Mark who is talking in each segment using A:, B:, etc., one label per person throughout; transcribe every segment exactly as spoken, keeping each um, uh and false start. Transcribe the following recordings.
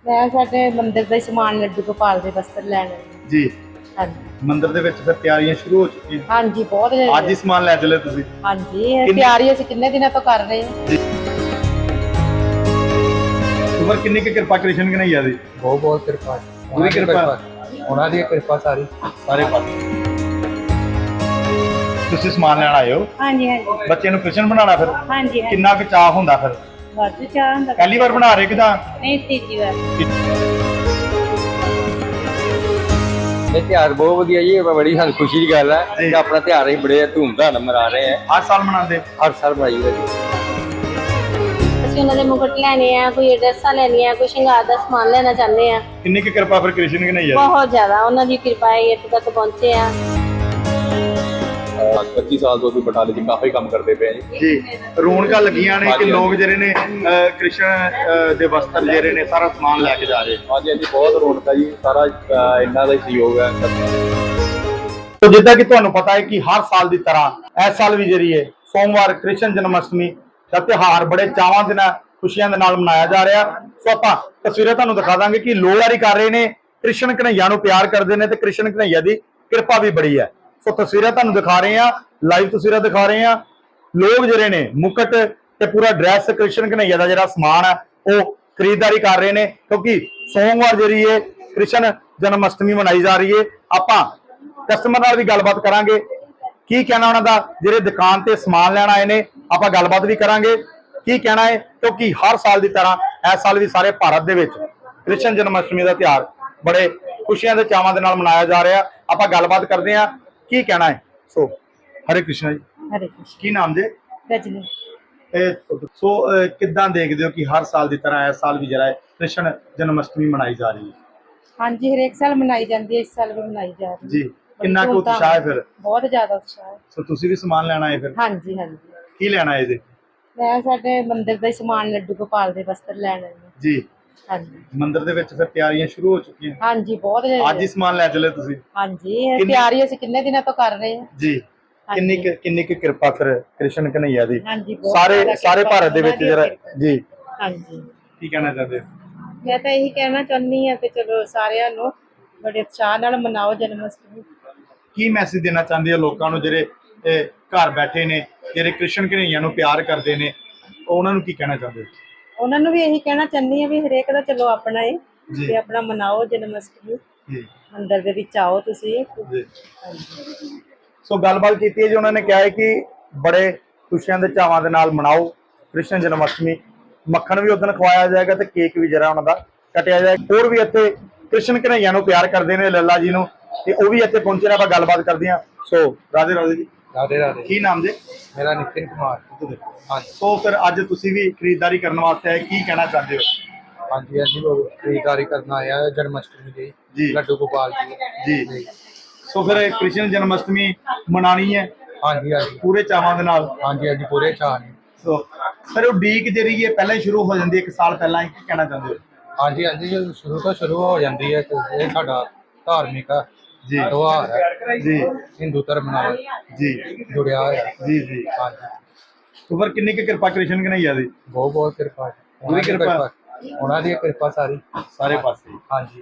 A: ਮੈਂ ਸਾਡੇ ਮੰਦਿਰ ਦਾ ਹੀ ਸਮਾਨ ਲੱਡੂ ਗੋਪਾਲ ਦੇ ਵਸਤਰ ਲੈਣ ਆਈ
B: ਜੀ।
A: ਹਾਂਜੀ
B: ਮੰਦਿਰ ਦੇ ਵਿੱਚ ਫਿਰ ਤਿਆਰੀਆਂ ਸ਼ੁਰੂ ਹੋ ਚੁੱਕੀਆਂ।
A: ਹਾਂਜੀ ਬਹੁਤ
B: ਅੱਜ ਹੀ ਸਮਾਨ ਲੈ ਚਲੇ ਤੁਸੀਂ?
A: ਹਾਂਜੀ ਇਹ ਤਿਆਰੀ ਅਸੀਂ ਕਿੰਨੇ ਦਿਨਾਂ ਤੋਂ ਕਰ ਰਹੇ ਹਾਂ।
B: ਉਮਰ ਕਿੰਨੀ ਕੁ ਕਿਰਪਾ ਕ੍ਰਿਸ਼ਨ ਕਨਈਆ ਦੀ?
C: ਬਹੁਤ ਬਹੁਤ ਕਿਰਪਾ
B: ਪੂਰੀ ਕਿਰਪਾ
C: ਉਹਨਾਂ ਦੀ ਕਿਰਪਾ ਸਾਰੀ
B: ਸਾਰੇ ਪਾਸੇ। ਤੁਸੀਂ ਸਮਾਨ ਲੈਣ ਆਏ ਹੋ?
A: ਹਾਂਜੀ ਹਾਂਜੀ
B: ਬੱਚੇ ਨੂੰ ਕ੍ਰਿਸ਼ਨ ਬਣਾਉਣਾ ਫਿਰ
A: ਹਾਂਜੀ
B: ਕਿੰਨਾ ਕੁ ਚਾਹ ਹੁੰਦਾ ਫਿਰ?
A: ਵਾਧੂ ਚਾਹ ਹੁੰਦਾ।
B: ਪਹਿਲੀ ਵਾਰ ਬਣਾ ਰਹੇ ਕਿਦਾਂ?
A: ਨਹੀਂ ਤੀਜੀ ਵਾਰ।
C: ਇਹ ਤਿਉਹਾਰ ਬਹੁਤ ਵਧੀਆ ਜੀ, ਬੜੀ ਸਾਨੂੰ ਖੁਸ਼ੀ ਦੀ ਗੱਲ ਹੈ ਕਿ ਆਪਣਾ ਤਿਉਹਾਰ ਅਸੀਂ ਬੜੇ ਧੂਮਧਾਮ ਨਾਲ ਮਨਾ ਰਹੇ ਹਾਂ।
B: ਹਰ ਸਾਲ ਮਨਾਉਂਦੇ?
C: ਹਰ ਸਾਲ ਮਨਾਈ ਦਾ ਜੀ।
A: ਅਸੀਂ ਉਹਨਾਂ ਦੇ ਮੁਕਟ ਲੈਣੇ ਆ, ਕੋਈ ਡਰੈਸਾਂ ਲੈਣੀਆਂ, ਕੋਈ ਸ਼ਿੰਗਾਰ ਦਾ ਸਮਾਨ ਲੈਣਾ ਚਾਹੁੰਦੇ ਆ।
B: ਕਿੰਨੀ ਕੁ ਕਿਰਪਾ ਫਿਰ ਕ੍ਰਿਸ਼ਨ ਕਨਈਆ ਦੀ?
A: ਬਹੁਤ ਜ਼ਿਆਦਾ ਉਹਨਾਂ ਦੀ ਕਿਰਪਾ ਹੈ ਇੱਥੇ ਤੱਕ ਪਹੁੰਚੇ ਆ।
C: ਪੱਚੀ ਸਾਲ ਤੋਂ ਅਸੀਂ ਬਟਾਲੇ 'ਚ ਕਾਫੀ ਕੰਮ ਕਰਦੇ ਪਏ ਜੀ।
B: ਜੀ ਰੌਣਕਾਂ ਲੱਗੀਆਂ ਨੇ ਕਿ ਲੋਕ ਜਿਹੜੇ ਨੇ ਅਹ, ਕ੍ਰਿਸ਼ਨ ਅਹ, ਦੇ ਵਸਤਰ ਜਿਹੜੇ ਨੇ ਸਾਰਾ ਸਮਾਨ ਲੈ ਕੇ ਜਾ ਰਹੇ।
C: ਹਾਂਜੀ ਹਾਂਜੀ ਬਹੁਤ ਰੌਣਕ ਹੈ ਜੀ, ਸਾਰਾ ਅਹ, ਇਹਨਾਂ ਦਾ ਹੀ ਸਹਿਯੋਗ ਹੈ।
B: ਤੋ ਜਿੱਦਾਂ ਕਿ ਤੁਹਾਨੂੰ ਪਤਾ ਹੈ ਕਿ ਹਰ ਸਾਲ ਦੀ ਤਰ੍ਹਾਂ ਇਸ ਸਾਲ ਵੀ ਜਿਹੜੀ ਹੈ ਸੋਮਵਾਰ ਕ੍ਰਿਸ਼ਨ ਜਨਮ ਅਸ਼ਟਮੀ ਦਾ ਤਿਉਹਾਰ ਬੜੇ ਚਾਵਾਂ ਦੇ ਨਾਲ ਖੁਸ਼ੀਆਂ ਦੇ ਨਾਲ ਮਨਾਇਆ ਜਾ ਰਿਹਾ। ਸੋ ਆਪਾਂ ਤਸਵੀਰਾਂ ਤੁਹਾਨੂੰ ਦਿਖਾ ਦਾਂਗੇ ਕਿ ਲੋਕ ਜਾਰੀ ਕਰ ਰਹੇ ਨੇ, ਕ੍ਰਿਸ਼ਨ ਕਨਈਆ ਨੂੰ ਪਿਆਰ ਕਰਦੇ ਨੇ ਤੇ ਕ੍ਰਿਸ਼ਨ ਕਨਈਆ ਦੀ ਕਿਰਪਾ ਵੀ ਬੜੀ ਹੈ। ਸੋ ਤਸਵੀਰਾਂ ਤੁਹਾਨੂੰ ਦਿਖਾ ਰਹੇ ਆ, ਲਾਈਵ ਤਸਵੀਰਾਂ ਦਿਖਾ ਰਹੇ ਆ। ਲੋਕ ਜਿਹੜੇ ਨੇ ਮੁਕਟ ਤੇ ਪੂਰਾ ਡਰੈਸ ਕ੍ਰਿਸ਼ਨ ਕਨਈਆ ਦਾ ਜਿਹੜਾ ਸਮਾਨ ਹੈ ਉਹ ਖਰੀਦਦਾਰੀ ਕਰ ਰਹੇ ਨੇ, ਕਿਉਂਕਿ ਸੋਮਵਾਰ ਜਿਹੜੀ ਹੈ ਕ੍ਰਿਸ਼ਨ ਜਨਮ ਅਸ਼ਟਮੀ ਮਨਾਈ ਜਾ ਰਹੀ ਹੈ। ਆਪਾਂ ਕਸਟਮਰ ਨਾਲ ਵੀ ਗੱਲਬਾਤ ਕਰਾਂਗੇ, ਕੀ ਕਹਿਣਾ ਉਹਨਾਂ ਦਾ, ਜਿਹੜੇ ਦੁਕਾਨ ਤੇ ਸਮਾਨ ਲੈਣ ਆਏ ਨੇ ਆਪਾਂ ਗੱਲਬਾਤ ਵੀ ਕਰਾਂਗੇ ਕੀ ਕਹਿਣਾ ਹੈ, ਕਿਉਂਕਿ ਹਰ ਸਾਲ ਦੀ ਤਰ੍ਹਾਂ ਇਸ ਸਾਲ ਵੀ ਸਾਰੇ ਭਾਰਤ ਦੇ ਵਿੱਚ ਕ੍ਰਿਸ਼ਨ ਜਨਮ ਅਸ਼ਟਮੀ ਦਾ ਤਿਉਹਾਰ ਬੜੇ ਖੁਸ਼ੀਆਂ ਦੇ ਚਾਵਾਂ ਦੇ ਨਾਲ ਮਨਾਇਆ ਜਾ ਰਿਹਾ। ਆਪਾਂ ਗੱਲਬਾਤ ਕਰਦੇ ਹਾਂ ਕੀ ਕਹਿਣਾ ਹੈ। ਸੋ ਹਰੇ ਕ੍ਰਿਸ਼ਨ ਜੀ।
A: ਹਰੇ ਕ੍ਰਿਸ਼ਨ।
B: ਕੀ ਨਾਮ ਜੇ?
A: ਰਜਨੀ।
B: ਇਹ ਸੋ ਅਹ, ਕਿੱਦਾਂ ਦੇਖਦੇ ਹੋ ਕਿ ਹਰ ਸਾਲ ਦੀ ਤਰ੍ਹਾਂ ਇਸ ਸਾਲ ਵੀ ਜਿਹੜਾ ਹੈ ਕ੍ਰਿਸ਼ਨ ਜਨਮ ਅਸ਼ਟਮੀ ਮਨਾਈ ਜਾ ਰਹੀ ਹੈ?
A: ਹਾਂਜੀ ਹਰੇਕ ਸਾਲ ਮਨਾਈ ਜਾਂਦੀ ਹੈ, ਇਸ ਸਾਲ ਵੀ ਮਨਾਈ ਜਾ ਰਹੀ ਹੈ
B: ਜੀ। ਕਿੰਨਾ ਕੁ ਉਤਸ਼ਾਹ ਹੈ ਫਿਰ?
A: ਬਹੁਤ ਜ਼ਿਆਦਾ ਉਤਸ਼ਾਹ ਹੈ।
B: ਸੋ ਤੁਸੀਂ ਵੀ ਸਮਾਨ ਲੈਣਾ ਹੈ ਫਿਰ?
A: ਹਾਂਜੀ ਹਾਂਜੀ
B: ਕੀ ਲੈਣਾ ਹੈ ਇਹਦੇ?
A: ਮੈਂ ਸਾਡੇ ਮੰਦਿਰ ਦਾ ਹੀ ਸਮਾਨ ਲੱਡੂ ਗੋਪਾਲ ਦੇ ਵਸਤਰ ਲੈਣ ਆਈ ਹਾਂ।
B: ਜੀ।
A: ਹਾਂਜੀ
B: ਮੰਦਿਰ ਦੇ ਵਿੱਚ ਫਿਰ ਤਿਆਰੀਆਂ ਸ਼ੁਰੂ ਹੋ ਚੁੱਕੀਆਂ?
A: ਹਾਂਜੀ ਬਹੁਤ
B: ਅੱਜ ਹੀ ਸਮਾਨ ਲੈ ਚਲੇ ਤੁਸੀਂ?
A: ਹਾਂਜੀ ਇਹ ਤਿਆਰੀ ਅਸੀਂ ਕਿੰਨੇ ਦਿਨਾਂ ਤੋਂ ਕਰ ਰਹੇ ਹਾਂ।
B: ਜੀ। ਕਿੰਨੀ ਕੁ ਕਿੰਨੀ ਕੁ ਕਿਰਪਾ ਫਿਰ ਕ੍ਰਿਸ਼ਨ ਕਨਈਆ ਦੀ
A: ਹਾਂਜੀ ਬਹੁਤ
B: ਸਾਰੇ
A: ਜ਼ਿਆਦਾ
B: ਸਾਰੇ
A: ਕਿਰਪਾ
B: ਭਾਰਤ ਦੇ ਵਿੱਚ
A: ਉਹਨਾਂ ਦੀ
B: ਜਿਹੜਾ?
A: ਕਿਰਪਾ।
B: ਜੀ।
A: ਹਾਂਜੀ
B: ਕੀ ਕਹਿਣਾ ਚਾਹਦੇ ਹੋ?
A: ਮੈਂ ਤਾਂ ਇਹੀ ਕਹਿਣਾ ਚਾਹੁੰਦੀ ਹਾਂ ਕਿ ਚਲੋ ਸਾਰਿਆਂ ਨੂੰ ਬੜੇ ਉਤਸ਼ਾਹ ਨਾਲ ਮਨਾਓ ਜਨਮ ਅਸ਼ਟਮੀ।
B: ਕੀ ਮੈਸੇਜ ਦੇਣਾ ਚਾਹੁੰਦੇ ਹੋ ਲੋਕਾਂ ਨੂੰ ਜਿਹੜੇ ਇਹ ਘਰ ਬੈਠੇ ਨੇ, ਜਿਹੜੇ ਕ੍ਰਿਸ਼ਨ ਕਨਈਆ ਨੂੰ ਪਿਆਰ ਕਰਦੇ ਨੇ, ਉਹਨਾਂ ਨੂੰ ਕੀ ਕਹਿਣਾ ਚਾਹੁੰਦੇ ਹੋ?
A: ਉਹਨਾਂ ਨੂੰ ਵੀ ਇਹੀ ਕਹਿਣਾ ਚਾਹੁੰਦੀ ਹਾਂ ਵੀ ਹਰੇਕ ਦਾ ਚਲੋ ਆਪਣਾ ਹੈ
B: ਜੀ।
A: ਤੇ ਆਪਣਾ ਮਨਾਓ ਜਨਮ ਅਸ਼ਟਮੀ।
B: ਜੀ
A: ਮੰਦਿਰ ਦੇ ਵਿੱਚ ਆਓ ਤੁਸੀਂ।
B: ਜੀ।
A: ਹਾਂਜੀ
B: ਸੋ ਗੱਲਬਾਤ ਕੀਤੀ ਹੈ ਜੀ, ਉਹਨਾਂ ਨੇ ਕਿਹਾ ਹੈ ਕਿ ਬੜੇ ਖੁਸ਼ੀਆਂ ਦੇ ਚਾਵਾਂ ਦੇ ਨਾਲ ਮਨਾਓ ਕ੍ਰਿਸ਼ਨ ਜਨਮ ਅਸ਼ਟਮੀ। ਮੱਖਣ ਵੀ ਉਦੋਂ ਖਵਾਇਆ ਜਾਏਗਾ ਤੇ ਕੇਕ ਵੀ ਜਿਹੜਾ ਉਹਨਾਂ ਦਾ ਕੱਟਿਆ ਜਾਏਗਾ। ਹੋਰ ਵੀ ਇੱਥੇ ਕ੍ਰਿਸ਼ਨ ਕਨਈਆ ਨੂੰ ਪਿਆਰ ਕਰਦੇ ਨੇ, ਲੱਲਾ ਜੀ ਨੂੰ, ਤੇ ਉਹ ਵੀ ਇੱਥੇ ਪਹੁੰਚੇ ਨੇ। ਆਪਾਂ ਗੱਲਬਾਤ ਕਰਦੇ ਹਾਂ। ਸੋ ਰਾਧੇ ਰਾਧੇ ਜੀ।
C: ਰਾਧੇ ਰਾਧੇ।
B: ਕੀ ਨਾਮ ਜੀ?
C: ਮੇਰਾ ਨਿਤਿਨ ਕੁਮਾਰ। ਹਾਂਜੀ
B: ਸੋ ਫਿਰ ਅੱਜ ਤੁਸੀਂ ਵੀ ਖਰੀਦਦਾਰੀ ਕਰਨ ਵਾਸਤੇ ਆਏ, ਕੀ ਕਹਿਣਾ ਚਾਹੁੰਦੇ ਹੋ?
C: ਹਾਂਜੀ ਹਾਂਜੀ ਖਰੀਦਦਾਰੀ ਕਰਨ ਆਇਆ ਜਨਮ ਅਸ਼ਟਮੀ
B: ਜੀ।
C: ਦੀ ਲੱਡੂ ਗੋਪਾਲ ਜੀ।
B: ਜੀ। ਸੋ ਫਿਰ ਕ੍ਰਿਸ਼ਨ ਜਨਮ ਅਸ਼ਟਮੀ ਮਨਾਣੀ ਹੈ
C: ਹਾਂਜੀ ਹਾਂਜੀ
B: ਪੂਰੇ ਚਾਵਾਂ ਦੇ ਨਾਲ?
C: ਹਾਂਜੀ ਹਾਂਜੀ ਪੂਰੇ ਚਾਅ ਨੇ।
B: ਸੋ ਫਿਰ ਉਹ ਡੀਕ ਜਿਹੜੀ ਹੈ ਪਹਿਲਾਂ ਹੀ ਸ਼ੁਰੂ ਹੋ ਜਾਂਦੀ ਹੈ, ਇੱਕ ਸਾਲ ਪਹਿਲਾਂ ਹੀ, ਕੀ ਕਹਿਣਾ ਚਾਹੁੰਦੇ ਹੋ?
C: ਹਾਂਜੀ ਹਾਂਜੀ ਜਦੋਂ ਸ਼ੁਰੂ ਤੋਂ ਸ਼ੁਰੂ ਹੋ ਜਾਂਦੀ ਹੈ ਤੇ ਇਹ ਸਾਡਾ ਧਾਰਮਿਕ
B: ਜੀ।
C: ਤਿਉਹਾਰ ਹੈ
B: ਜੀ
C: ਹਿੰਦੂ ਧਰਮ ਨਾਲ
B: ਜੀ
C: ਜੁੜਿਆ ਹੋਇਆ।
B: ਜੀ ਜੀ।
C: ਹਾਂਜੀ
B: ਸੋ ਫਿਰ ਕਿੰਨੀ ਕੁ ਕਿਰਪਾ ਕ੍ਰਿਸ਼ਨ ਕਨਈਆ ਦੀ?
C: ਬਹੁਤ ਬਹੁਤ ਕਿਰਪਾ
B: ਪੂਰੀ ਕਿਰਪਾ
C: ਉਹਨਾਂ ਦੀ ਕਿਰਪਾ ਸਾਰੀ
B: ਸਾਰੇ ਪਾਸੇ।
C: ਹਾਂਜੀ।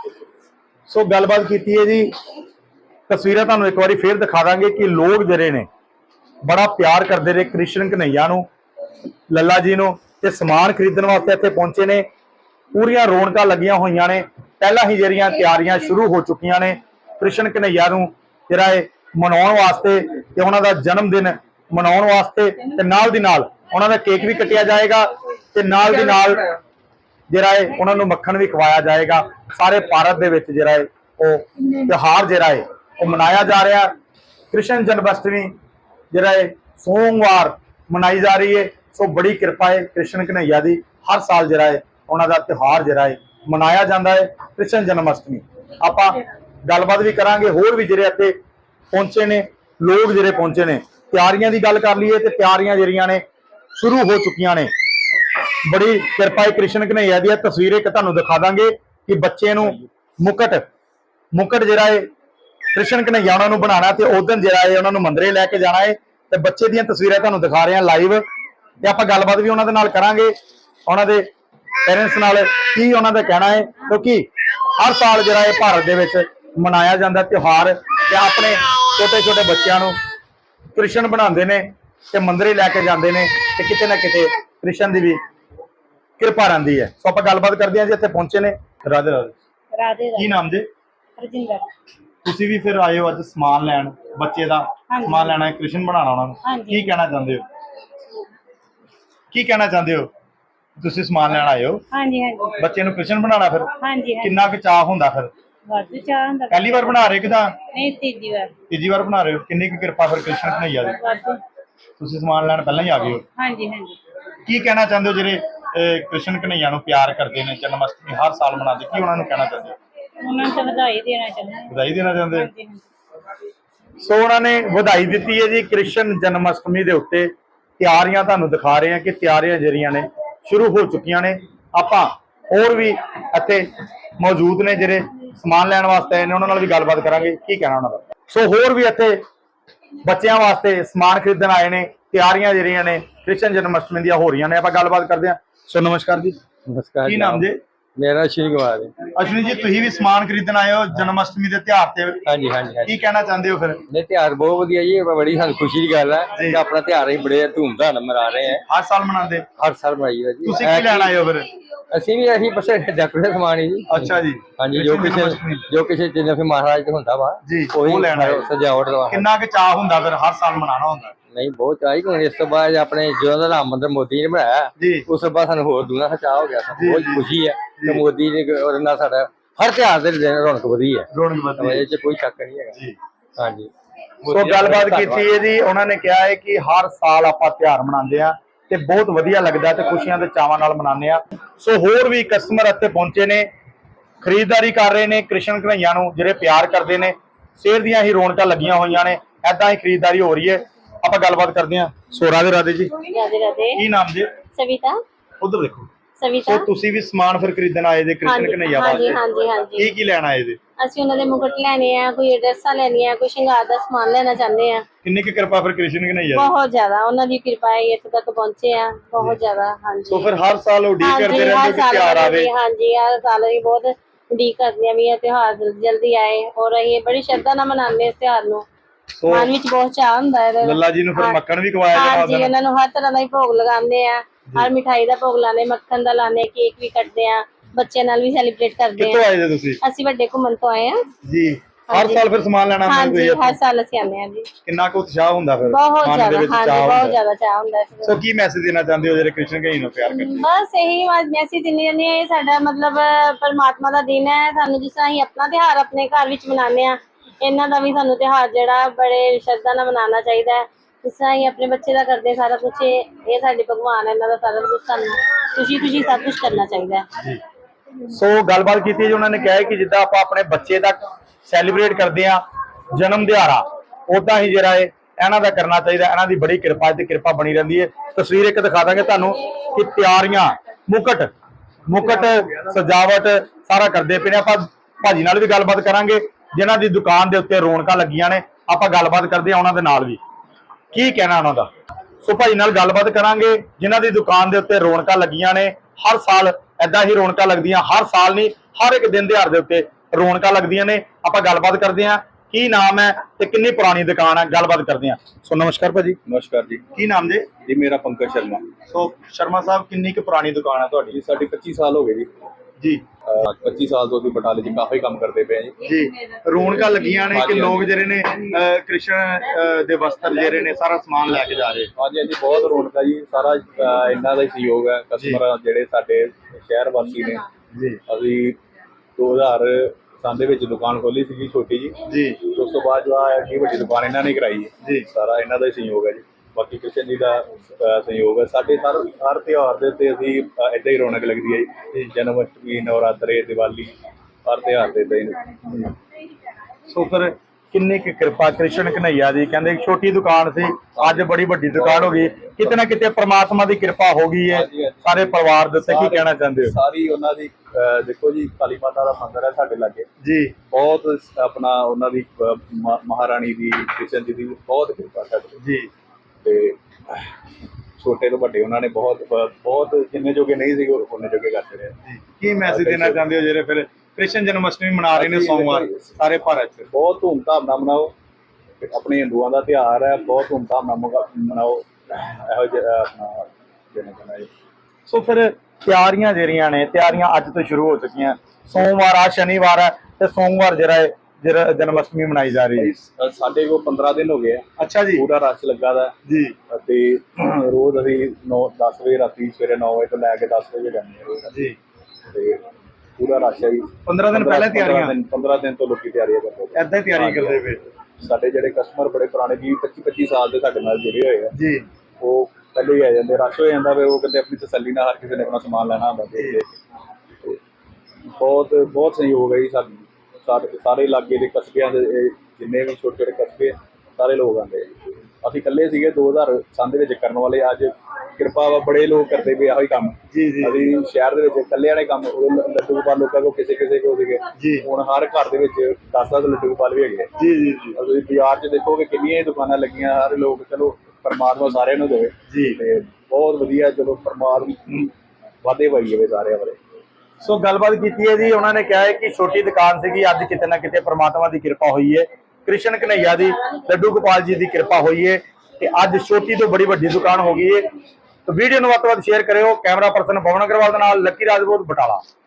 B: ਸੋ ਗੱਲਬਾਤ ਕੀਤੀ ਹੈ ਜੀ। ਤਸਵੀਰਾਂ ਤੁਹਾਨੂੰ ਇੱਕ ਵਾਰੀ ਫੇਰ ਦਿਖਾ ਦਾਂਗੇ ਕਿ ਲੋਕ ਜਿਹੜੇ ਨੇ ਬੜਾ ਪਿਆਰ ਕਰਦੇ ਨੇ ਕ੍ਰਿਸ਼ਨ ਕਨਈਆ ਨੂੰ, ਲੱਲਾ ਜੀ ਨੂੰ, ਤੇ ਸਮਾਨ ਖਰੀਦਣ ਵਾਸਤੇ ਇੱਥੇ ਪਹੁੰਚੇ ਨੇ। ਪੂਰੀਆਂ ਰੌਣਕਾਂ ਲੱਗੀਆਂ ਹੋਈਆਂ ਨੇ, ਪਹਿਲਾਂ ਹੀ ਜਿਹੜੀਆਂ ਤਿਆਰੀਆਂ ਸ਼ੁਰੂ ਹੋ ਚੁੱਕੀਆਂ ਨੇ ਕ੍ਰਿਸ਼ਨ ਕਨਈਆ ਨੂੰ ਜਿਹੜਾ ਇਹ ਮਨਾਉਣ ਵਾਸਤੇ ਤੇ ਉਹਨਾਂ ਦਾ ਜਨਮ ਦਿਨ ਮਨਾਉਣ ਵਾਸਤੇ। ਤੇ ਨਾਲ ਦੀ ਨਾਲ ਉਹਨਾਂ ਦਾ ਕੇਕ ਵੀ ਕੱਟਿਆ ਜਾਏਗਾ ਤੇ ਨਾਲ ਦੀ ਨਾਲ ਜਿਹੜਾ ਹੈ ਉਹਨਾਂ ਨੂੰ ਮੱਖਣ ਵੀ ਖਵਾਇਆ ਜਾਏਗਾ। ਸਾਰੇ ਭਾਰਤ ਦੇ ਵਿੱਚ ਜਿਹੜਾ ਹੈ ਉਹ ਤਿਉਹਾਰ ਜਿਹੜਾ ਹੈ ਉਹ ਮਨਾਇਆ ਜਾ ਰਿਹਾ। ਕ੍ਰਿਸ਼ਨ ਜਨਮ ਅਸ਼ਟਮੀ ਜਿਹੜਾ ਹੈ ਸੋਮਵਾਰ ਮਨਾਈ ਜਾ ਰਹੀ ਹੈ। ਸੋ ਬੜੀ ਕਿਰਪਾ ਹੈ ਕ੍ਰਿਸ਼ਨ ਕਨਈਆ ਦੀ, ਹਰ ਸਾਲ ਜਿਹੜਾ ਹੈ ਉਹਨਾਂ ਦਾ ਤਿਉਹਾਰ ਜਿਹੜਾ ਹੈ ਮਨਾਇਆ ਜਾਂਦਾ ਹੈ ਕ੍ਰਿਸ਼ਨ ਜਨਮ ਅਸ਼ਟਮੀ। ਆਪਾਂ ਗੱਲਬਾਤ ਵੀ ਕਰਾਂਗੇ, ਹੋਰ ਵੀ ਜਿਹੜੇ ਇੱਥੇ ਪਹੁੰਚੇ ਨੇ ਲੋਕ ਜਿਹੜੇ ਪਹੁੰਚੇ ਨੇ। ਤਿਆਰੀਆਂ ਦੀ ਗੱਲ ਕਰ ਲਈਏ ਤੇ ਤਿਆਰੀਆਂ ਜਿਹੜੀਆਂ ਨੇ ਸ਼ੁਰੂ ਹੋ ਚੁੱਕੀਆਂ ਨੇ। ਬੜੀ ਕਿਰਪਾ ਹੈ ਕ੍ਰਿਸ਼ਨ ਕਨਈਆ ਦੀ। ਤਸਵੀਰ ਇੱਕ ਤੁਹਾਨੂੰ ਦਿਖਾ ਦਾਂਗੇ ਕਿ ਬੱਚੇ ਨੂੰ ਮੁਕਟ ਮੁਕਟ ਜਿਹੜਾ ਹੈ ਕ੍ਰਿਸ਼ਨ ਕਨਈਆ ਉਹਨਾਂ ਨੂੰ ਬਣਾਉਣਾ ਤੇ ਉਦੋਂ ਜਿਹੜਾ ਹੈ ਉਹਨਾਂ ਨੂੰ ਮੰਦਿਰੇ ਲੈ ਕੇ ਜਾਣਾ ਹੈ। ਤੇ ਬੱਚੇ ਦੀਆਂ ਤਸਵੀਰਾਂ ਤੁਹਾਨੂੰ ਦਿਖਾ ਰਹੇ ਹਾਂ ਲਾਈਵ, ਤੇ ਆਪਾਂ ਗੱਲਬਾਤ ਵੀ ਉਹਨਾਂ ਦੇ ਨਾਲ ਕਰਾਂਗੇ। ਉਹਨਾਂ ਦੇ ਪੇਰੈਂਟਸ ਨਾਲ ਕੀ ਉਹਨਾਂ ਦਾ ਕਹਿਣਾ ਹੈ, ਕਿਉਂਕਿ ਹਰ ਸਾਲ ਜਿਹੜਾ ਇਹ ਭਾਰਤ ਦੇ ਵਿੱਚ ਮਨਾਇਆ ਜਾਂਦਾ ਤਿਉਹਾਰ, ਤੇ ਆਪਣੇ ਛੋਟੇ ਛੋਟੇ ਬੱਚਿਆਂ ਨੂੰ ਕ੍ਰਿਸ਼ਨ ਬਣਾਉਂਦੇ ਨੇ ਤੇ ਮੰਦਿਰੇ ਲੈ ਕੇ ਜਾਂਦੇ ਨੇ, ਤੇ ਕਿਤੇ ਨਾ ਕਿਤੇ ਕ੍ਰਿਸ਼ਨ ਦੀ ਵੀ ਕਿਰਪਾ ਰਹਿੰਦੀ ਹੈ। ਸੋ ਆਪਾਂ ਗੱਲਬਾਤ ਕਰਦੇ ਹਾਂ ਜੀ, ਇੱਥੇ ਪਹੁੰਚੇ ਨੇ। ਰਾਧੇ ਰਾਧੇ।
A: ਰਾਧੇ
B: ਕੀ ਨਾਮ ਜੀ?
A: ਰਜਿੰਦਰ।
B: ਤੁਸੀਂ ਵੀ ਫਿਰ ਆਏ ਹੋ ਅੱਜ ਸਮਾਨ ਲੈਣ, ਬੱਚੇ ਦਾ ਸਮਾਨ ਲੈਣਾ ਹੈ, ਕ੍ਰਿਸ਼ਨ ਬਣਾਉਣਾ ਉਹਨਾਂ ਨੂੰ, ਕੀ ਕਹਿਣਾ ਚਾਹੁੰਦੇ ਹੋ? ਕੀ ਕਹਿਣਾ ਚਾਹੁੰਦੇ ਹੋ? ਤੁਸੀਂ ਸਮਾਨ ਲੈਣ ਆਏ ਹੋ,
A: ਹਾਂਜੀ ਹਾਂਜੀ
B: ਬੱਚੇ ਨੂੰ ਕ੍ਰਿਸ਼ਨ ਬਣਾਉਣਾ, ਫਿਰ
A: ਹਾਂਜੀ
B: ਕਿੰਨਾ ਕੁ ਚਾਹ ਹੁੰਦਾ? ਫਿਰ
A: ਵਾਧੂ ਚਾਹ ਹੁੰਦਾ।
B: ਪਹਿਲੀ ਵਾਰ ਬਣਾ ਰਹੇ ਕਿਦਾਂ?
A: ਨਹੀਂ, ਤੀਜੀ ਵਾਰ।
B: ਤੀਜੀ ਵਾਰ ਬਣਾ ਰਹੇ ਹੋ। ਕਿੰਨੀ ਕੁ ਕਿਰਪਾ ਫਿਰ ਕ੍ਰਿਸ਼ਨ ਕਨਈਆ ਦੀ?
A: ਵਾਧੂ।
B: ਤੁਸੀਂ ਸਮਾਨ ਲੈਣ ਪਹਿਲਾਂ ਹੀ ਆ ਗਏ ਹੋ।
A: ਹਾਂਜੀ ਹਾਂਜੀ।
B: ਕੀ ਕਹਿਣਾ ਚਾਹੁੰਦੇ ਹੋ ਜਿਹੜੇ ਅਹ, ਕ੍ਰਿਸ਼ਨ ਕਨਈਆ ਨੂੰ ਪਿਆਰ ਕਰਦੇ ਨੇ, ਜਨਮ ਅਸ਼ਟਮੀ ਹਰ ਸਾਲ ਮਨਾਉਂਦੇ, ਕੀ ਉਹਨਾਂ ਨੂੰ ਕਹਿਣਾ ਚਾਹੁੰਦੇ ਹੋ?
A: ਉਹਨਾਂ ਨੂੰ ਤਾਂ ਵਧਾਈ ਦੇਣਾ ਚਾਹੁੰਦੇ ਹਾਂ।
B: ਵਧਾਈ ਦੇਣਾ ਚਾਹੁੰਦੇ ਹੋ?
A: ਹਾਂਜੀ ਹਾਂਜੀ।
B: ਸੋ ਉਹਨਾਂ ਨੇ ਵਧਾਈ ਦਿੱਤੀ ਹੈ ਜੀ ਕ੍ਰਿਸ਼ਨ ਜਨਮ ਅਸ਼ਟਮੀ ਦੇ ਉੱਤੇ। ਤਿਆਰੀਆਂ ਤੁਹਾਨੂੰ ਦਿਖਾ ਰਹੇ ਹਾਂ ਕਿ ਤਿਆਰੀਆਂ ਜਿਹੜੀਆਂ ਨੇ ਸ਼ੁਰੂ ਹੋ ਚੁੱਕੀਆਂ ਨੇ। ਆਪਾਂ ਹੋਰ ਵੀ ਇੱਥੇ ਮੌਜੂਦ ਨੇ ਜਿਹੜੇ ਸਮਾਨ ਲੈਣ ਵਾਸਤੇ ਆਏ ਨੇ, ਉਹਨਾਂ ਨਾਲ ਵੀ ਗੱਲਬਾਤ ਕਰਾਂਗੇ ਕੀ ਕਹਿਣਾ ਉਹਨਾਂ ਦਾ। ਸੋ ਹੋਰ ਵੀ ਇੱਥੇ ਬੱਚਿਆਂ ਵਾਸਤੇ ਸਮਾਨ ਖਰੀਦਣ ਆਏ ਨੇ। ਤਿਆਰੀਆਂ ਜਿਹੜੀਆਂ ਨੇ ਕ੍ਰਿਸ਼ਨ ਜਨਮ ਅਸ਼ਟਮੀ ਦੀਆਂ ਹੋ ਰਹੀਆਂ ਨੇ। ਆਪਾਂ ਗੱਲਬਾਤ ਕਰਦੇ ਹਾਂ। ਸੋ ਨਮਸਕਾਰ ਜੀ।
C: ਨਮਸਕਾਰ।
B: ਕੀ ਨਾਮ ਜੀ?
C: ਮੇਰਾ ਅਸ਼ਵਨੀ ਕੁਮਾਰ ਹੈ।
B: ਅਸ਼ਵਨੀ ਜੀ, ਤੁਸੀਂ ਵੀ ਸਮਾਨ ਖਰੀਦਣ ਆਏ ਹੋ ਜਨਮ ਅਸ਼ਟਮੀ ਦੇ ਤਿਉਹਾਰ ਤੇ,
C: ਹਾਂਜੀ ਹਾਂਜੀ ਹਾਂਜੀ।
B: ਕੀ ਕਹਿਣਾ ਚਾਹੁੰਦੇ ਹੋ? ਫਿਰ
C: ਇਹ ਤਿਉਹਾਰ ਬਹੁਤ ਵਧੀਆ ਜੀ, ਬੜੀ ਸਾਨੂੰ ਖੁਸ਼ੀ ਦੀ ਗੱਲ ਹੈ ਕਿ ਆਪਣਾ ਤਿਉਹਾਰ ਅਸੀਂ ਬੜੇ ਧੂਮਧਾਮ ਨਾਲ ਮਨਾ ਰਹੇ ਹਾਂ।
B: ਹਰ ਸਾਲ ਮਨਾਉਂਦੇ?
C: ਹਰ ਸਾਲ ਮਨਾਈਦਾ ਜੀ।
B: ਤੁਸੀਂ ਕੀ ਲੈਣ ਆਏ ਹੋ ਫਿਰ?
C: ਅਸੀਂ ਵੀ ਅਸੀਂ ਬਸ ਡੈਕੋਰੇਸ਼ਨ ਸਮਾਨ ਹੀ ਜੀ।
B: ਅੱਛਾ ਜੀ।
C: ਹਾਂਜੀ, ਜੋ ਕਿਸੇ ਜੋ ਕਿਸੇ ਜਿੰਨਾ ਫਿਰ ਮਹਾਰਾਜ ਤੇ ਹੁੰਦਾ ਵਾ
B: ਜੀ,
C: ਉਹੀ
B: ਉਹ ਲੈਣ ਆਏ।
C: ਸਜਾਵਟ ਦਾ।
B: ਕਿੰਨਾ ਕੁ ਚਾਹ ਹੁੰਦਾ ਫਿਰ ਹਰ ਸਾਲ ਮਨਾਉਣਾ ਹੁੰਦਾ?
C: ਨਹੀਂ, ਬਹੁਤ ਚਾਹੀ ਹੁਣ ਇਸ ਤੋਂ ਬਾਅਦ ਆਪਣੇ ਜਦੋਂ ਦਾ ਰਾਮ ਮੰਦਿਰ ਮੋਦੀ ਨੇ ਬਣਾਇਆ
B: ਜੀ,
C: ਉਸ ਤੋਂ ਬਾਅਦ ਸਾਨੂੰ ਹੋਰ ਦੂਣਾ ਚਾਹ ਹੋ ਗਿਆ।
B: ਜੀ,
C: ਬਹੁਤ
B: ਜੀ,
C: ਖੁਸ਼ੀ ਹੈ
B: ਜੀ।
C: ਕਿ ਮੋਦੀ ਨੇ ਉਹਦੇ ਨਾਲ ਸਾਡਾ ਹਰ ਤਿਉਹਾਰ ਦੇ ਦਿਨ ਰੌਣਕ ਵਧੀ ਹੈ।
B: ਰੌਣਕ ਵਧੀ ਹੈ।
C: ਇਹ 'ਚ ਕੋਈ ਸ਼ੱਕ ਨਹੀਂ ਹੈਗਾ
B: ਜੀ।
C: ਹਾਂਜੀ।
B: ਸੋ ਗੱਲਬਾਤ ਕੀਤੀ ਹੈ ਜੀ। ਉਹਨਾਂ ਨੇ ਕਿਹਾ ਹੈ ਕਿ ਹਰ ਸਾਲ ਆਪਾਂ ਤਿਉਹਾਰ ਮਨਾਉਂਦੇ ਆ ਤੇ ਬਹੁਤ ਵਧੀਆ ਲੱਗਦਾ ਤੇ ਖੁਸ਼ੀਆਂ ਦੇ ਚਾਵਾਂ ਨਾਲ ਮਨਾਉਂਦੇ ਆ। ਸੋ ਹੋਰ ਵੀ ਕਸਟਮਰ ਇੱਥੇ ਪਹੁੰਚੇ ਨੇ, ਖਰੀਦਦਾਰੀ ਕਰ ਰਹੇ ਨੇ ਕ੍ਰਿਸ਼ਨ ਕਨਈਆ ਨੂੰ ਜਿਹੜੇ ਪਿਆਰ ਕਰਦੇ ਨੇ। ਸ਼ੇਰ ਦੀਆਂ ਹੀ ਰੌਣਕਾਂ ਲੱਗੀਆਂ ਹੋਈਆਂ ਨੇ, ਏਦਾਂ ਹੀ ਖਰੀਦਦਾਰੀ ਹੋ ਰਹੀ ਹੈ। ਆਪਾਂ ਗੱਲਬਾਤ ਕਰਦੇ ਹਾਂ। ਸੋ ਰਾਧੇ ਰਾਧੇ ਜੀ।
A: ਰਾਧੇ ਰਾਧੇ।
B: ਕੀ ਨਾਮ ਜੀ?
A: ਸਵਿਤਾ।
B: ਉਧਰ ਦੇਖੋ।
A: ਸਵਿਤਾ।
B: ਸੋ ਤੁਸੀਂ ਵੀ ਸਮਾਨ ਫਿਰ ਖਰੀਦਣ ਆਏ ਜੇ ਕ੍ਰਿਸ਼ਨ ਕਨਈਆ
A: ਹਾਂਜੀ
B: ਵਾਸਤੇ?
A: ਹਾਂਜੀ ਹਾਂਜੀ।
B: ਕੀ ਕੀ ਲੈਣ ਆਏ ਜੇ?
A: ਅਸੀਂ ਉਹਨਾਂ ਦੇ ਮੁਕਟ ਲੈਣੇ ਆ, ਕੋਈ ਡਰੈਸਾਂ ਲੈਣੀਆਂ, ਕੋਈ ਸ਼ਿੰਗਾਰ ਦਾ ਸਮਾਨ ਲੈਣਾ ਚਾਹੁੰਦੇ ਆ।
B: ਕਿੰਨੀ ਕੁ ਕਿਰਪਾ ਫਿਰ ਕ੍ਰਿਸ਼ਨ ਕਨਈਆ ਦੀ?
A: ਬਹੁਤ ਜ਼ਿਆਦਾ ਉਹਨਾਂ ਦੀ ਕਿਰਪਾ ਹੈ, ਇੱਥੇ ਤੱਕ ਪਹੁੰਚੇ ਆ। ਬਹੁਤ ਜ਼ਿਆਦਾ। ਹਾਂਜੀ।
B: ਸੋ ਫਿਰ ਹਰ ਸਾਲ ਉਡੀਕ ਕਰਦੇ
A: ਹਾਂਜੀ,
B: ਰਹਿੰਦੇ
A: ਹਰ
B: ਕਿ
A: ਸਾਲ
B: ਤਿਉਹਾਰ ਆਵੇ?
A: ਹਾਂਜੀ, ਹਰ ਸਾਲ ਅਸੀਂ ਬਹੁਤ ਉਡੀਕ ਕਰਦੇ ਆ ਵੀ ਇਹ ਤਿਉਹਾਰ ਜਲਦੀ ਜਲਦੀ ਆਏ, ਔਰ ਅਸੀਂ ਬੜੀ ਸ਼ਰਧਾ ਨਾਲ ਮਨਾਉਂਦੇ ਇਸ ਤਿਉਹਾਰ ਨੂੰ।
B: ਸੋ
A: ਮਨ ਵਿੱਚ ਬਹੁਤ ਚਾਅ ਹੁੰਦਾ ਹੈ।
B: ਲੱਲਾ ਜੀ ਨੂੰ ਫਿਰ ਮੱਖਣ ਵੀ ਖਵਾਇਆ ਜਾਂਦਾ?
A: ਹਾਂਜੀ, ਉਹਨਾਂ ਨੂੰ ਹਰ ਤਰ੍ਹਾਂ ਦਾ ਹੀ ਭੋਗ ਲਗਾਉਂਦੇ ਆ। ਹਰ ਮਿਠਾਈ ਦਾ ਭੋਗ ਲਾਉਂਦੇ, ਮੱਖਣ ਦਾ ਲਾਉਂਦੇ, ਕੇਕ ਵੀ ਕੱਟਦੇ ਆ, ਬੱਚਿਆਂ ਨਾਲ ਵੀ ਸੈਲੀਬ੍ਰੇਟ ਕਰਦੇ
B: ਕਿੱਥੋਂ
A: ਆ।
B: ਆਏ ਜੇ ਤੁਸੀਂ?
A: ਅਸੀਂ ਵੱਡੇ ਘੁੰਮਣ ਤੋਂ ਆਏ ਆ
B: ਜੀ। ਹਰ ਸਾਲ ਫਿਰ ਸਮਾਨ ਲੈਣਾ ਆਉਂਦਾ
A: ਹਾਂਜੀ,
B: ਕੋਈ?
A: ਹਰ ਸਾਲ ਅਸੀਂ ਆਉਂਦੇ ਆ ਜੀ।
B: ਕਿੰਨਾ ਕੁ ਉਤਸ਼ਾਹ ਹੁੰਦਾ ਫਿਰ?
A: ਬਹੁਤ
B: ਮਨ
A: ਜ਼ਿਆਦਾ।
B: ਦੇ ਵਿੱਚ
A: ਹਾਂਜੀ,
B: ਚਾਅ
A: ਬਹੁਤ
B: ਹੁੰਦਾ?
A: ਜ਼ਿਆਦਾ ਚਾਅ ਹੁੰਦਾ ਇਸ
B: ਸੋ ਕੀ ਮੈਸੇਜ ਦੇਣਾ ਚਾਹੁੰਦੇ ਹੋ ਜਿਹੜੇ ਕ੍ਰਿਸ਼ਨ ਕਨਈਆ ਨੂੰ ਪਿਆਰ ਕਰਦੇ?
A: ਬਸ ਇਹੀ ਮੈਸੇਜ ਦਿੰਦੇ ਜਾਂਦੇ ਆ, ਇਹ ਸਾਡਾ ਮਤਲਬ ਪਰਮਾਤਮਾ ਦਾ ਦਿਨ ਹੈ। ਸਾਨੂੰ ਜਿਸ ਤਰ੍ਹਾਂ ਅਸੀਂ ਆਪਣਾ ਤਿਉਹਾਰ ਆਪਣੇ ਘਰ ਵਿੱਚ ਮਨਾਉਂਦੇ ਆ, ਇਹਨਾਂ ਦਾ ਵੀ ਸਾਨੂੰ ਤਿਉਹਾਰ ਜਿਹੜਾ ਬੜੇ ਸ਼ਰਧਾ ਨਾਲ ਮਨਾਉਣਾ ਚਾਹੀਦਾ ਹੈ। ਜਿਸ ਤਰ੍ਹਾਂ ਅਸੀਂ ਆਪਣੇ ਬੱਚੇ ਦਾ ਕਰਦੇ ਸਾਰਾ ਕੁਛ, ਇਹ ਸਾਡੇ ਭਗਵਾਨ, ਇਹਨਾਂ ਦਾ ਸਾਰਾ ਕੁਛ ਸਾਨੂੰ ਖੁਸ਼ੀ ਖੁਸ਼ੀ ਸਭ ਕੁਛ ਕਰਨਾ ਚਾਹੀਦਾ ਹੈ।
B: ਸੋ ਗੱਲਬਾਤ ਕੀਤੀ ਜੀ। ਉਹਨਾਂ ਨੇ ਕਿਹਾ ਕਿ ਜਿੱਦਾਂ ਆਪਾਂ ਆਪਣੇ ਬੱਚੇ ਦਾ ਸੈਲੀਬ੍ਰੇਟ ਕਰਦੇ ਆ ਜਨਮ ਦਿਹਾੜਾ, ਉਦਾਂ ਹੀ ਜਿਹੜਾ ਹੈ ਇਹਨਾਂ ਦਾ ਕਰਨਾ ਚਾਹੀਦਾ। ਇਹਨਾਂ ਦੀ ਬੜੀ ਕਿਰਪਾ ਤੇ ਕਿਰਪਾ ਬਣੀ ਰਹਿੰਦੀ ਹੈ। ਤਸਵੀਰ ਇੱਕ ਦਿਖਾ ਦਾਂਗੇ ਤੁਹਾਨੂੰ ਕਿ ਤਿਆਰੀਆਂ, ਮੁਕਟ ਮੁਕਟ ਸਜਾਵਟ ਸਾਰਾ ਕਰਦੇ ਪਏ ਨੇ। ਆਪਾਂ ਭਾਜੀ ਨਾਲ ਵੀ ਗੱਲਬਾਤ ਕਰਾਂਗੇ ਜਿਨ੍ਹਾਂ ਦੀ ਦੁਕਾਨ ਦੇ ਉੱਤੇ ਰੌਣਕਾਂ ਲੱਗੀਆਂ ਨੇ। ਆਪਾਂ ਗੱਲਬਾਤ ਕਰਦੇ ਆ ਉਹਨਾਂ ਦੇ ਨਾਲ ਵੀ, ਕੀ ਕਹਿਣਾ ਉਹਨਾਂ ਦਾ। ਸੋ ਭਾਜੀ ਨਾਲ ਗੱਲਬਾਤ ਕਰਾਂਗੇ ਜਿਨ੍ਹਾਂ ਦੀ ਦੁਕਾਨ ਦੇ ਉੱਤੇ ਰੌਣਕਾਂ ਲੱਗੀਆਂ ਨੇ। ਹਰ ਸਾਲ ਏਦਾਂ ਹੀ ਰੌਣਕਾਂ ਲੱਗਦੀਆਂ, ਹਰ ਸਾਲ ਨਹੀਂ ਹਰ ਇੱਕ ਦਿਨ ਦਿਹਾੜ ਦੇ ਉੱਤੇ ਰੌਣਕਾਂ ਲੱਗਦੀਆਂ ਨੇ। ਆਪਾਂ ਗੱਲਬਾਤ ਕਰਦੇ ਹਾਂ ਕੀ ਨਾਮ ਹੈ ਤੇ ਕਿੰਨੀ ਪੁਰਾਣੀ ਦੁਕਾਨ ਹੈ, ਗੱਲਬਾਤ ਕਰਦੇ ਹਾਂ। ਸੋ ਨਮਸਕਾਰ ਭਾਜੀ।
D: ਨਮਸਕਾਰ ਜੀ।
B: ਕੀ ਨਾਮ ਜੀ?
D: ਜੀ ਮੇਰਾ ਪੰਕਜ ਸ਼ਰਮਾ।
B: ਸੋ ਸ਼ਰਮਾ ਸਾਹਿਬ, ਕਿੰਨੀ ਕੁ ਪੁਰਾਣੀ ਦੁਕਾਨ ਹੈ ਤੁਹਾਡੀ?
D: ਜੀ ਸਾਡੀ ਪੱਚੀ ਸਾਲ ਹੋ ਗਏ ਜੀ।
B: ਜੀ।
D: ਅਹ ਪੱਚੀ ਸਾਲ ਤੋਂ ਅਸੀਂ ਬਟਾਲੇ 'ਚ ਕਾਫੀ ਕੰਮ ਕਰਦੇ ਪਏ ਜੀ।
B: ਜੀ। ਰੌਣਕਾਂ ਲੱਗੀਆਂ ਨੇ ਕਿ ਲੋਕ ਜਿਹੜੇ ਨੇ ਅਹ, ਕ੍ਰਿਸ਼ਨ ਅਹ, ਦੇ ਵਸਤਰ ਜਿਹੜੇ ਨੇ ਸਾਰਾ ਸਮਾਨ ਲੈ ਕੇ ਜਾ ਰਹੇ?
D: ਹਾਂਜੀ ਹਾਂਜੀ, ਬਹੁਤ ਰੌਣਕ ਹੈ ਜੀ। ਸਾਰਾ ਅਹ, ਇਹਨਾਂ ਦਾ ਹੀ ਸਹਿਯੋਗ ਹੈ। ਕਸਟਮਰ ਜਿਹੜੇ ਸਾਡੇ ਸ਼ਹਿਰ ਵਾਸੀ ਨੇ।
B: ਜੀ।
D: ਅਸੀਂ ਦੋ ਹਜ਼ਾਰ ਸੰਨ ਦੇ ਵਿੱਚ ਦੁਕਾਨ ਖੋਲੀ ਸੀਗੀ ਛੋਟੀ ਜੀ।
B: ਜੀ।
D: ਉਸ ਤੋਂ ਬਾਅਦ ਜੋ ਹੈ ਕਿ ਵੱਡੀ ਦੁਕਾਨ ਇਹਨਾਂ ਨੇ ਕਰਾਈ ਹੈ
B: ਜੀ।
D: ਸਾਰਾ ਇਹਨਾਂ ਦਾ ਹੀ ਸਹਿਯੋਗ ਹੈ ਜੀ। ਬਾਕੀ ਕ੍ਰਿਸ਼ਨ ਜੀ ਦਾ ਅਹ, ਸਹਿਯੋਗ ਹੈ। ਸਾਡੇ ਹਰ ਹਰ ਤਿਉਹਾਰ ਦੇ ਉੱਤੇ ਅਸੀਂ ਅਹ, ਏਦਾਂ ਹੀ ਰੌਣਕ ਲੱਗਦੀ ਹੈ ਜੀ। ਜਨਮ ਅਸ਼ਟਮੀ, ਨਵਰਾਤਰੇ, ਦੀਵਾਲੀ, ਹਰ ਤਿਉਹਾਰ ਦੇ ਏਦਾਂ ਹੀ।
B: ਸੋ ਫਿਰ ਕਿੰਨੀ ਕੁ ਕਿਰਪਾ ਕ੍ਰਿਸ਼ਨ ਕਨਈਆ ਦੀ। ਕਹਿੰਦੇ ਛੋਟੀ ਦੁਕਾਨ ਸੀ, ਅੱਜ ਬੜੀ ਵੱਡੀ ਦੁਕਾਨ ਹੋ ਗਈ। ਕਿਤੇ ਨਾ ਕਿਤੇ ਪ੍ਰਮਾਤਮਾ ਦੀ ਕਿਰਪਾ ਹੋ ਗਈ ਹੈ ਸਾਰੇ ਪਰਿਵਾਰ ਦੇ ਉੱਤੇ। ਕੀ ਕਹਿਣਾ ਚਾਹੁੰਦੇ ਹੋ?
D: ਸਾਰੀ ਉਹਨਾਂ ਦੀ ਅਹ, ਦੇਖੋ ਜੀ, ਕਾਲੀ ਮਾਤਾ ਦਾ ਮੰਦਿਰ ਹੈ ਸਾਡੇ ਲਾਗੇ
B: ਜੀ।
D: ਬਹੁਤ ਆਪਣਾ ਉਹਨਾਂ ਦੀ ਅਹ, ਮ- ਮਹਾਰਾਣੀ ਦੀ, ਕ੍ਰਿਸ਼ਨ ਜੀ ਦੀ ਬਹੁਤ ਕਿਰਪਾ ਸਾਡੇ
B: ਜੀ।
D: ਤੇ ਛੋਟੇ ਤੋਂ ਵੱਡੇ ਉਹਨਾਂ ਨੇ ਬਹੁਤ ਬਹੁਤ ਜਿੰਨੇ ਜੋਗੇ ਨਹੀਂ ਸੀ ਉਹਨੇ ਜੋਗੇ ਕਰਦੇ ਰਹੇ।
B: ਜੀ ਕੀ ਮੈਸੇਜ ਦੇਣਾ ਚਾਹੁੰਦੇ ਹੋ ਜਿਹੜੇ ਫਿਰ ਕ੍ਰਿਸ਼ਨ ਜਨਮ ਅਸ਼ਟਮੀ ਮਨਾ ਰਹੇ ਨੇ ਸੋਮਵਾਰ ਸਾਰੇ ਭਾਰਤ 'ਚ?
D: ਬਹੁਤ ਧੂਮਧਾਮ ਨਾਲ ਮਨਾਓ, ਆਪਣੇ ਹਿੰਦੂਆਂ ਦਾ ਤਿਉਹਾਰ ਹੈ, ਬਹੁਤ ਧੂਮਧਾਮ ਨਾਲ ਮਗਾ- ਮਨਾਓ ਇਹੋ ਜਿਹਾ ਆਪਣਾ ਦੇਣਾ ਚਾਹੁੰਦਾ ਜੀ।
B: ਸੋ ਫਿਰ ਤਿਆਰੀਆਂ ਜਿਹੜੀਆਂ ਨੇ ਤਿਆਰੀਆਂ ਅੱਜ ਤੋਂ ਸ਼ੁਰੂ ਹੋ ਚੁੱਕੀਆਂ। ਸੋਮਵਾਰ ਆ ਸ਼ਨੀਵਾਰ ਹੈ ਤੇ ਸੋਮਵਾਰ ਜਿਹੜਾ ਹੈ ਜਿਹੜਾ ਜਨਮ ਅਸ਼ਟਮੀ ਮਨਾਈ ਜਾ ਰਹੀ ਹੈ।
D: ਅ- ਸਾਡੇ ਕੋਲ ਪੰਦਰਾਂ ਦਿਨ ਹੋ ਗਏ ਆ,
B: ਅੱਛਾ ਜੀ
D: ਪੂਰਾ ਰਸ਼ ਲੱਗਾ ਦਾ
B: ਜੀ
D: ਅਤੇ ਰੋਜ਼ ਅਸੀਂ ਨੌ ਦਸ ਵਜੇ ਰਾਤੀ ਸਵੇਰੇ ਨੌ ਵਜੇ ਤੋਂ ਲੈ ਕੇ ਦਸ ਵਜੇ ਜਾਂਦੇ ਹਾਂ ਰੋਜ਼।
B: ਜੀ
D: ਤੇ ਪੂਰਾ ਰਸ਼ ਹੈ ਜੀ।
B: ਪੰਦਰਾਂ ਦਿਨ ਪਹਿਲਾਂ ਤਿਆਰੀਆਂ
D: ਪੰਦਰਾਂ ਦਿਨ ਤੋਂ ਲੋਕੀ ਤਿਆਰੀਆਂ ਕਰਦੇ ਪਏ।
B: ਏਦਾਂ ਹੀ ਤਿਆਰੀ ਕਰਦੇ ਪਏ
D: ਸਾਡੇ ਜਿਹੜੇ ਕਸਟਮਰ ਬੜੇ ਪੁਰਾਣੇ ਵੀਹ ਪੱਚੀ ਪੱਚੀ ਸਾਲ ਦੇ ਸਾਡੇ ਨਾਲ ਜੁੜੇ ਹੋਏ ਆ,
B: ਜੀ
D: ਉਹ ਪਹਿਲੇ ਹੀ ਆ ਜਾਂਦੇ, ਰਸ਼ ਹੋ ਜਾਂਦਾ ਵੇ। ਉਹ ਕਹਿੰਦੇ ਆਪਣੀ ਤਸੱਲੀ ਨਾਲ ਹਰ ਕਿਸੇ ਨੇ ਆਪਣਾ ਸਮਾਨ ਲੈਣਾ ਹੁੰਦਾ ਤੇ ਤੇ ਬਹੁਤ ਬਹੁਤ ਸਹਿਯੋਗ ਹੈ ਜੀ ਸਾਨੂੰ। ਸਾਰੇ ਸਾਰੇ ਇਲਾਕੇ ਦੇ ਕਸਬਿਆਂ ਦੇ ਇਹ ਜਿੰਨੇ ਵੀ ਛੋਟੇ ਛੋਟੇ ਕਸਬੇ ਆ, ਸਾਰੇ ਲੋਕ ਆਉਂਦੇ ਆ। ਅਸੀਂ ਇਕੱਲੇ ਸੀਗੇ ਦੋ ਹਜ਼ਾਰ ਸੰਨ ਦੇ ਵਿੱਚ ਕਰਨ ਵਾਲੇ, ਅੱਜ ਕਿਰਪਾ ਵਾ ਬੜੇ ਲੋਕ ਕਰਦੇ ਪਏ ਆਹੀ ਕੰਮ।
B: ਜੀ ਜੀ
D: ਅਸੀਂ ਸ਼ਹਿਰ ਦੇ ਵਿੱਚ ਇਕੱਲਿਆਂ ਨੇ ਕੰਮ ਉਹ ਲੱਡੂ ਗੋਪਾਲ ਲੋਕਾਂ ਕੋਲ ਕਿਸੇ ਕਿਸੇ ਕੋਲ ਸੀਗੇ,
B: ਜੀ
D: ਹੁਣ ਹਰ ਘਰ ਦੇ ਵਿੱਚ ਦਸ ਦਸ ਲੱਡੂ ਗੋਪਾਲ ਵੀ ਹੈਗੇ ਆ।
B: ਜੀ ਜੀ ਜੀ
D: ਤੁਸੀਂ ਬਾਜ਼ਾਰ 'ਚ ਦੇਖੋਗੇ ਕਿੰਨੀਆਂ ਹੀ ਦੁਕਾਨਾਂ ਲੱਗੀਆਂ, ਹਰ ਲੋਕ ਚਲੋ ਪਰਮਾਤਮਾ ਸਾਰਿਆਂ ਨੂੰ ਦੇਵੇ
B: ਜੀ।
D: ਤੇ ਬਹੁਤ ਵਧੀਆ, ਚਲੋ ਪਰਮਾਤਮਾ ਵਾਧੇ ਪਾਈ ਜਾਵੇ ਸਾਰਿਆਂ ਬਾਰੇ।
B: ਸੋ ਗੱਲਬਾਤ ਕੀਤੀ ਹੈ ਜੀ। ਉਹਨਾਂ ਨੇ ਕਿਹਾ ਹੈ ਕਿ ਛੋਟੀ ਦੁਕਾਨ ਸੀਗੀ, ਅੱਜ ਕਿਤੇ ਨਾ ਕਿਤੇ ਪ੍ਰਮਾਤਮਾ ਦੀ ਕਿਰਪਾ ਹੋਈ ਹੈ, ਕ੍ਰਿਸ਼ਨ ਕਨਈਆ ਦੀ ਲੱਡੂ ਗੋਪਾਲ ਜੀ ਦੀ ਕਿਰਪਾ ਹੋਈ ਹੈ ਤੇ ਅੱਜ ਛੋਟੀ ਤੋਂ ਬੜੀ ਵੱਡੀ ਦੁਕਾਨ ਹੋ ਗਈ ਹੈ। ਤਾਂ ਵੀਡੀਓ ਨੂੰ ਵੱਧ ਤੋਂ ਵੱਧ ਸ਼ੇਅਰ ਕਰਿਓ। ਕੈਮਰਾ ਪਰਸਨ ਪਵਨ ਅਗਰਵਾਲ ਦੇ ਨਾਲ ਲੱਕੀ ਰਾਜਪੂਤ ਬਟਾਲਾ।